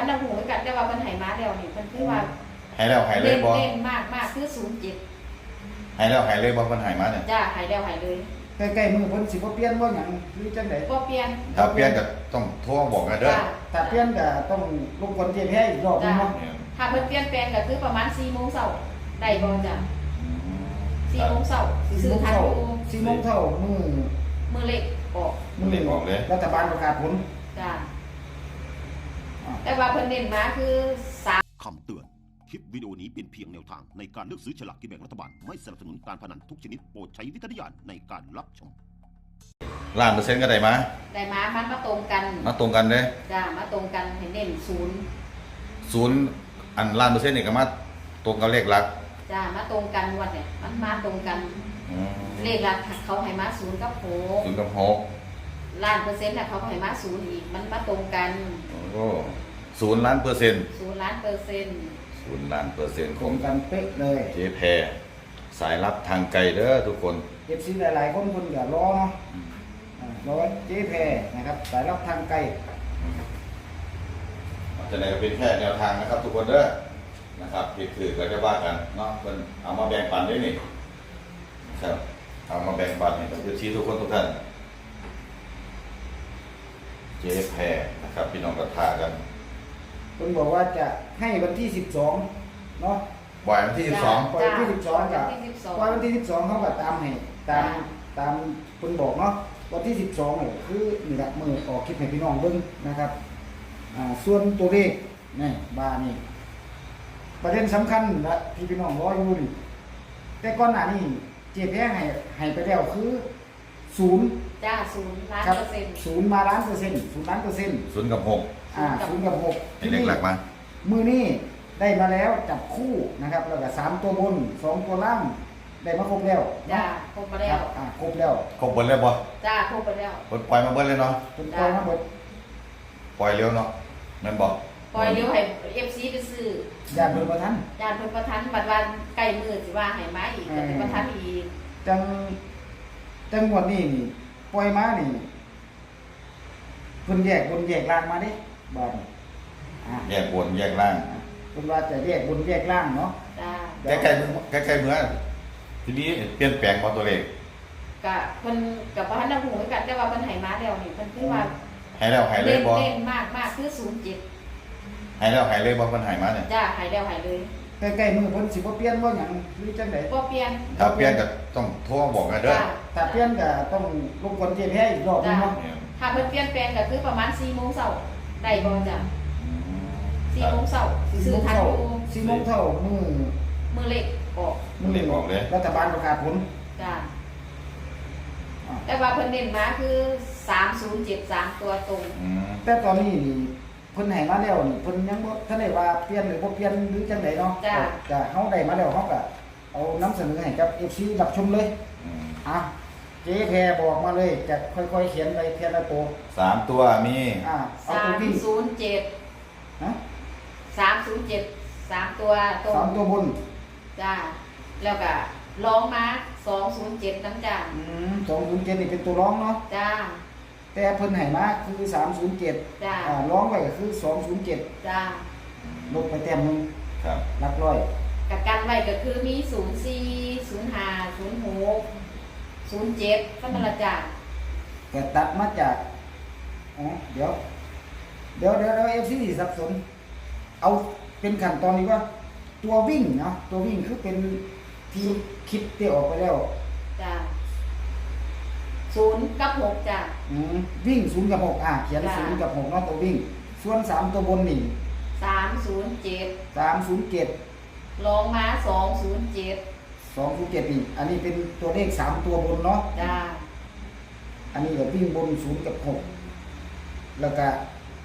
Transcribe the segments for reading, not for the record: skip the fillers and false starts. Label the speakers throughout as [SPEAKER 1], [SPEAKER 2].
[SPEAKER 1] นหูกันแต่ว่ามันหายมาแล้วนี่มันคือว่า
[SPEAKER 2] หายแล้วหายเลยบ่
[SPEAKER 1] เล่นมากคือ07
[SPEAKER 2] หายแล้วหายเลยบ่มันหายมาเนี่ย
[SPEAKER 1] จ้าหายแล้วหายเลย
[SPEAKER 3] ใกล้ๆมือเพิ่นสิบ่เปลี่ยนบ่หยังหรือจังได๋
[SPEAKER 1] บ่เปลี่ยน
[SPEAKER 2] ถ้าเปลี่ยนก็ต้องโทรบอกกันเด้อ
[SPEAKER 3] ถ้าเปลี่ยนก็ต้องรบกวนเจ๊แพ้อีกรอบนึงเนาะ
[SPEAKER 1] ถ้าเพิ่นเปลี่ยนแปลงก็คือประมาณ4:00 นได้บ่จ้ะ4:00 นสิซื้อทันอยู่
[SPEAKER 3] 4 โมงเช้า
[SPEAKER 1] มือเล็กออก
[SPEAKER 2] มันเล่นออกเลย
[SPEAKER 3] รัฐบาลประกาศผล
[SPEAKER 1] จ้าแต่ว่าเพิ่นเน้นมาคือ
[SPEAKER 4] คำเตือนคลิปวิดีโอนี้เป็นเพียงแนวทางในการเลือกซื้อฉลากกินแบ่งรัฐบาลไม่สนับสนุนการพนันทุกชนิดโปรดใช้วิจารณญาณในการรับชม
[SPEAKER 2] 1,000,000%ก็ได้มา
[SPEAKER 1] มันมาตรงกัน
[SPEAKER 2] เด้
[SPEAKER 1] จ้ามาตรงกันให้เน้น
[SPEAKER 2] 0อัน1,000,000%นี่ก็มาตรงกับเลขหลัก
[SPEAKER 1] จ้ามาตรงกันวันเนี่ยมันมาตรงกันเลขหลักเขาให้มา0กับ6
[SPEAKER 2] 0กับ6
[SPEAKER 1] ล้านเปอร์เซ็นต์น่ะเขาให้มา0อีกมันมาตรงกัน
[SPEAKER 2] โอ้0 ล้านเปอร์เซ็นต์
[SPEAKER 1] 0 ล้านเปอร์เซ็นต์
[SPEAKER 2] 0 ล้านเปอร์เซ็นต์
[SPEAKER 3] ตรงกันเป๊ะเลย
[SPEAKER 2] เจ๊แพรสายลับทางไกลเด้อทุกคน
[SPEAKER 3] FC หลายๆคนเพิ่นก็รอเนาะรอเจ๊แพรนะครับสายลับทางไกล
[SPEAKER 2] จะไหนก็เป็นแค่แนวทางนะครับทุกคนเด้อนะครับผิดถือก็จะว่ากันเนาะเพิ่นเอามาแบ่งปันได้นี่ครับเอามาแบ่งปันให้กับ FC ทุกคนทุกท่านเจ๊แพรนะครับพี่น้องก็ทากัน
[SPEAKER 3] เพิ่นบอกว่าจะให้วันที่12เนาะ
[SPEAKER 2] บ่ายวันที่12
[SPEAKER 3] ปล่อยวันที่12กับปล่อยวันที่12เขาก็ตามให้ตามเพิ่นบอกเนาะวันที่12นี่คือนี่แหละมื้อออกคลิปให้พี่น้องเบิ่งนะครับส่วนตัวเลขนี่บ้านี่ประเด็นสำคัญและที่พี่น้องรออยู่นี่แต่ก่อนหน้านี้เจ๊แพ้ให้ไปแล้วคือ0
[SPEAKER 1] จ้า0 ล้านเปอร์เซ็นต์
[SPEAKER 3] 0มาล้านเปอร์เซ็นต์0ล้านเปอร์เซ็นต์
[SPEAKER 2] 0กับ6
[SPEAKER 3] 0กับ6
[SPEAKER 2] ให้เลขหลักมา
[SPEAKER 3] มือนี้ได้มาแล้วจับคู่นะครับแล้วก็3ตัวบน2ตัวล่างได้มาครบแล้ว
[SPEAKER 1] จ้าครบไปแล้ว
[SPEAKER 3] ครบแล้ว
[SPEAKER 2] ครบเบิดแล้วบ่
[SPEAKER 1] จ้าครบไปแล้ว
[SPEAKER 2] ปล่อยมาเบิดเลยเนาะ
[SPEAKER 3] ปล่อยมาเบิด
[SPEAKER 2] ปล่อยเร็วเนาะแม่นบ่
[SPEAKER 1] ปล่อยเร็วให้ FC ไปซื้อ
[SPEAKER 3] ญาติเพิ่นประทัน
[SPEAKER 1] บัดวันใกล้มื้อสิว่าให้มาอีกก็สิประทันอีก
[SPEAKER 3] จังหวัดนี้นี่ปล่อยมานี่เพิ่นแยกบนแยกล่างมาเด้บาด
[SPEAKER 2] แยกบนแยกล่าง
[SPEAKER 3] เพิ่นว่าจะแยกบนแยกล่างเนาะ
[SPEAKER 1] จ้า
[SPEAKER 2] ใกล้ๆเมื่อทีนี้เปลี่ยนแปลงบ่ตัวเลข
[SPEAKER 1] ก็เพิ่นก็บ่ทันได้ฮู้คือกันแต่ว่าเพิ่นให้มาแล้วนี่เพิ่นคือว่า
[SPEAKER 2] หายแล้วหายเลยบ่
[SPEAKER 1] เล่นมากคือ
[SPEAKER 2] หายแล้วหายเลยบ่เพิ่นหายมาเนี่ย
[SPEAKER 1] จ้าหายแล้วหายเลย
[SPEAKER 3] ใกล้ๆมือเพิ่นสิบ่เปลี่ยนบ่หยังหรือจังได๋
[SPEAKER 1] บ่เปลี่ยน
[SPEAKER 2] ถ้าเปลี่ยนก็ต้องโทรบอกกันเด้อ
[SPEAKER 3] ถ้าเปลี่ยนก็ต้องรบกวนเจ๊แพ้อีกรอบนึงเนาะ
[SPEAKER 1] ถ้าเพิ่นเปลี่ยนแปลงก็คือประมาณ4:00 นได้บ่จ้ะ4:00 นสิซื้อทันอยู่
[SPEAKER 3] 4 โมงเช้า
[SPEAKER 1] มือเล็กออก
[SPEAKER 2] เลย
[SPEAKER 3] รัฐบาลประกาศผล
[SPEAKER 1] จ้าแต่ว่าเพิ่นเน้นมาคือ3073ตัวตรง
[SPEAKER 3] แต่ตอนนี้นี่เพิ่นให้มาแล้วนี่เพิ่นยังบ่ทันได้ว่าเปลี่ยนหรือบ่เปลี่ยนหรือจังได๋เนาะก็เฮาได้มาแล้วเฮาก็เอานำเสนอให้กับ FC รับชมเลยเจ๊แพรบอกมาเลยจะค่อยๆเขียนไปเทียละตัว
[SPEAKER 2] 3ตัวมี
[SPEAKER 3] เอาตัวที่
[SPEAKER 1] 307ฮะ307 3ตัวตรง
[SPEAKER 3] 3ตัวบน
[SPEAKER 1] จ้าแล้วก็ร้องมา207นำจ้า
[SPEAKER 3] 207นี่เป็นตัวร้องเนาะ
[SPEAKER 1] จ้า
[SPEAKER 3] แต่เพิ่นให้มาคือ307
[SPEAKER 1] จ้า
[SPEAKER 3] ร้องไว้ก็คือ207
[SPEAKER 1] จ้า
[SPEAKER 3] ลบไปแต้มนึง
[SPEAKER 2] ครับ
[SPEAKER 3] หลักร้อย
[SPEAKER 1] กับกันไว้ก็คือมี04 05 06 07ก็นั่นล่ะจ้า
[SPEAKER 3] ก็ตัดมาจากเดี๋ยว FC สับสนเอาเป็นขั้นตอนนี้ว่าตัววิ่งเนาะตัววิ่งคือเป็นที่คิดที่ออกไปแล้ว
[SPEAKER 1] จ้า0กับ6จ้า
[SPEAKER 3] วิ่ง0กับ6เขียน0กับ6เนาะตัววิ่งส่วน3ตัวบนนี่
[SPEAKER 1] 307ลงมา207
[SPEAKER 3] นี่อันนี้เป็นตัวเลข3ตัวบนเนาะ
[SPEAKER 1] จ้า
[SPEAKER 3] อันนี้ก็วิ่งบน0กับ6แล้วก็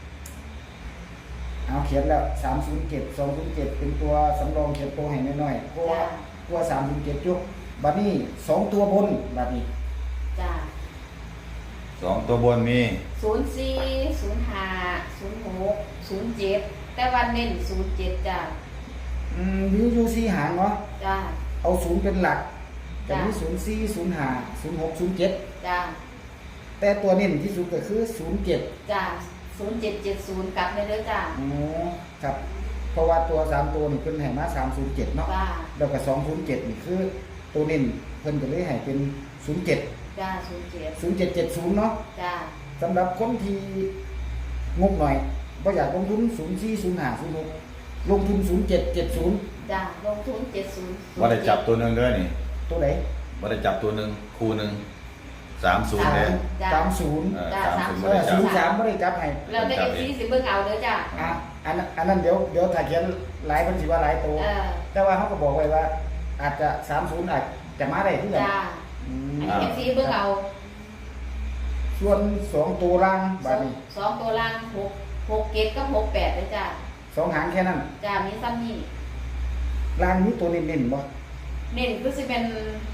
[SPEAKER 3] เอาเขียนแล้ว307 207เป็นตัวสำรองเขียนตัวให้น้อยๆเพราะว่าตัว307จุกบัดนี้2ตัวบนบัดนี้
[SPEAKER 1] จ้า
[SPEAKER 2] 2ตัวบนมี
[SPEAKER 1] 04 05 06 07แต่วันเน้น07จ้า
[SPEAKER 3] มีอยู่4หางเนาะ
[SPEAKER 1] จ้า
[SPEAKER 3] เอา0เป็นหลักจะมี04 05 06 07
[SPEAKER 1] จ้า
[SPEAKER 3] แต่ตัวเน้นที่สุดก็คือ07
[SPEAKER 1] จ้า 0770กลับเลยเด้อจ้า
[SPEAKER 3] อ๋อครับเพราะว่าตัว3ตัวนี่เพิ่นให้มา307เนาะ
[SPEAKER 1] จ้า
[SPEAKER 3] แล้วก็207นี่คือตัวเน้นเพิ่นก็เลยให้เป็น07
[SPEAKER 1] จ้า07
[SPEAKER 3] 0770เนาะ
[SPEAKER 1] จ้า
[SPEAKER 3] สำหรับคนที่งบหน่อยบ่อยากลงทุน040506ลงทุน0770
[SPEAKER 1] จ้าลงทุน70
[SPEAKER 2] ว่าได้จับตัวหนึงด้วยนี่
[SPEAKER 3] ตัวไหน
[SPEAKER 2] ว่าได้จับตัวหนึงคู่หนึง30เลย
[SPEAKER 1] จ้า
[SPEAKER 3] 30
[SPEAKER 1] จ้า
[SPEAKER 2] 30
[SPEAKER 3] เอ
[SPEAKER 2] บ่
[SPEAKER 3] อ
[SPEAKER 2] ได้จับ
[SPEAKER 3] 03บ่ได้จับให้
[SPEAKER 1] แล้วแต่ FC สิเบิ่งเอาเด้อจ้า
[SPEAKER 3] อ่ะอันนั้นเดี๋ยวถ้าเขียนหลายเพิ่นสิว่าหลายตัว แต่ว่าเขาก็บอกไว้ว่า อาจจะ30อาจจะมาได้ที่ไหน
[SPEAKER 1] จ้า
[SPEAKER 3] อืม
[SPEAKER 1] อันนี้ FC เบิ่งเอา
[SPEAKER 3] ส่วน2ตัวล่างบาดนี้
[SPEAKER 1] สองตัวล่าง6 7กับ68เด้อจ้า
[SPEAKER 3] 2หางแค่นั้น
[SPEAKER 1] จ้ามีซ้ำนี่
[SPEAKER 3] ล่างนี้ตัวเน้นๆบ่
[SPEAKER 1] เน้นคือสิเป็น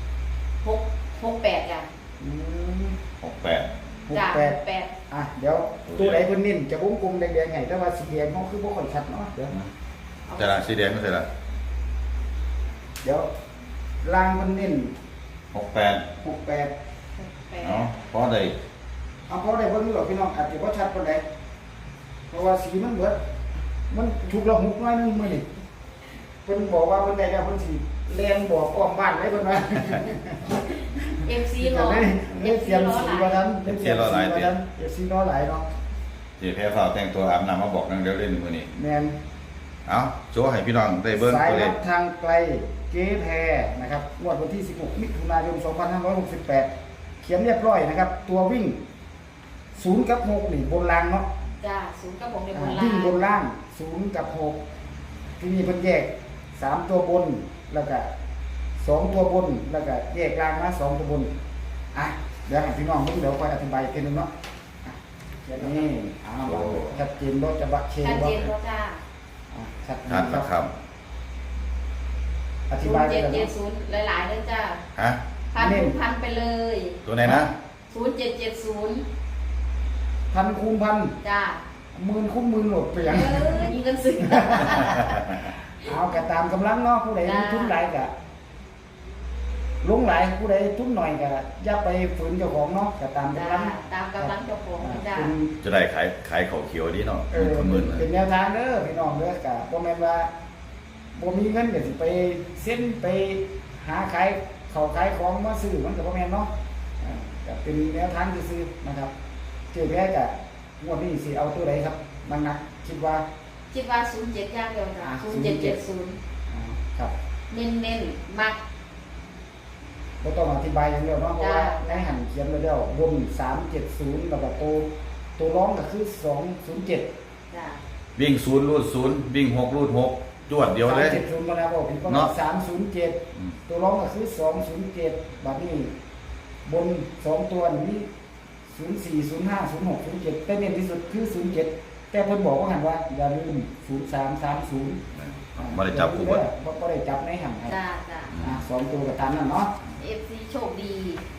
[SPEAKER 1] 68จ้า
[SPEAKER 3] อืม
[SPEAKER 2] 68
[SPEAKER 1] จ้า
[SPEAKER 3] 68
[SPEAKER 1] 68
[SPEAKER 3] อ่ะเดี๋ยวตัวไหนเพิ่นเน้นจะวงกลมแดงๆไงแต่ว่าสีแดงเขาคือบ่ค่อยชัดเนาะเดี๋ยว
[SPEAKER 2] จะละสีแดงไม่ใช่ละ
[SPEAKER 3] เดี๋ยวล่างเพิ่นเน้น
[SPEAKER 2] 68
[SPEAKER 3] 68
[SPEAKER 2] เนาะเพราะได้
[SPEAKER 3] เอาเพราะได้เบิ่งอยู่หรอกพี่น้องอาจจะบ่ชัดปานใดเพราะว่าสีมันเบิดมันถูกละหุกน้อยนึงมื้อนี้เพิ่นบอกว่าเพิ่นได้แล้วเพิ่นสิแล่นบอกอ้อมบ้านไว้เพิ่นว่า
[SPEAKER 1] FC รอ
[SPEAKER 3] เล่นเสียงสีว่านั้น
[SPEAKER 2] เสียงสีว่านั้น
[SPEAKER 3] เอฟซีล้อหลายเนาะ
[SPEAKER 2] เจ๊แพ้ฟ้าวแต่งตัวอาบน้ำมาบอกนังเดี๋ยวเล่นมื้อนี้
[SPEAKER 3] แมน
[SPEAKER 2] เอาโชว์ให้พี่น้องได้เบิ่ง
[SPEAKER 3] สาย
[SPEAKER 2] ตัวเล
[SPEAKER 3] รั
[SPEAKER 2] ข
[SPEAKER 3] บทางไกลเจ๊แพรนะครับงวดวันที่ 16 มิถุนายน 2568 เขียนเรียบร้อยนะครับ ตัววิ่ง 0 กับ 6 นี่บนล่างเนาะ
[SPEAKER 1] จ้า0กับ6ในบนล่า
[SPEAKER 3] วิ่งบน
[SPEAKER 1] ง
[SPEAKER 3] ล่าง 0 กับ 6 ที่นี่เพิ่นแยก 3 ตัวบน แล้วก็ 2 ตัวบน แล้วก็แยกล่างมา2 ตัวบน อ่ะ เดี๋ยวให้พี่น้องเดี๋ยวค่อยอธิบายอีกทีนึงเนาะอ่ะเดี๋ยวนี้เอาล่ะชัดเจนบ่จะบักเชน
[SPEAKER 1] ชัด
[SPEAKER 3] บ่
[SPEAKER 1] เจนบ่จ้า
[SPEAKER 3] อ่ะชัดเจ
[SPEAKER 2] ทัด
[SPEAKER 3] น
[SPEAKER 2] นะ
[SPEAKER 3] ค
[SPEAKER 2] ค
[SPEAKER 3] รั
[SPEAKER 2] รั
[SPEAKER 3] บบ อธิบายไปแล้วเนาะ
[SPEAKER 1] 0770หลายๆเด้อจ้า
[SPEAKER 2] ฮะ
[SPEAKER 1] พันไปเลย
[SPEAKER 2] ตัวไหนนะ
[SPEAKER 1] 0770
[SPEAKER 3] พันคูณพัน
[SPEAKER 1] จ้า
[SPEAKER 3] หมื่นคูณหมื่นโหลดไปยัง
[SPEAKER 1] ยิงกันสึก
[SPEAKER 3] เอากะตามกำลังเนาะผู้ใด
[SPEAKER 1] จ้า
[SPEAKER 3] ทุนหลายกะลงหลายผู้ใดทุนหน่อยกะอย่าไปฝืนเจ้าของเนาะกะตาม
[SPEAKER 1] จ้าก
[SPEAKER 3] ำลัง
[SPEAKER 1] ตามกำลังเจ้าของจ้า
[SPEAKER 3] เป็น
[SPEAKER 2] จะได้ขายข้าวเขียวดีเนาะ
[SPEAKER 3] เป็น
[SPEAKER 2] หมื่นๆเลย
[SPEAKER 3] เป็นแนวทางเด้อพี่น้องเด้อกะบ่แม่นว่าบ่มีเงินก็สิไปเซ็นไปหาขายข้าวขายของมาซื้อมันก็บ่แม่นเนาะอ่าก็เป็นแนวทางซื่อๆนะครับเจ๊แพ้กะงวดนี้สิเอาตัวใดครับบางนักคิดว่า
[SPEAKER 1] คิดว่า07อย่างเดียวจ้า0770
[SPEAKER 3] อ่าครับ
[SPEAKER 1] เน้นๆมัก
[SPEAKER 3] ก็ต้องอธิบายอย่างเดียวเนาะเพราะว่า
[SPEAKER 1] จ้า
[SPEAKER 3] ในหันเขียนไว้แล้วบน370แล้วก็ตัวร้องก็คือ207
[SPEAKER 1] จ้า
[SPEAKER 2] วิ่ง0รูด0วิ่ง6รูด6จวดเดียวเลย
[SPEAKER 3] 370มาแล้วบอกพี่ก็
[SPEAKER 2] เนาะ
[SPEAKER 3] 307ตัวร้องก็คือ207บัดนี้บน2ตัวนี้04 05 06 07แต่เน้นที่สุดคือ07แต่เพิ่นบอกว่าหันว่าอย่าลืม0330
[SPEAKER 2] บ่ได้จับคู่
[SPEAKER 3] บ่
[SPEAKER 2] บ่
[SPEAKER 3] ได้จับในหันให้
[SPEAKER 1] จ้าจ้า
[SPEAKER 3] 2ตัวก็ตามนั้นเนาะ
[SPEAKER 1] FC โชคดี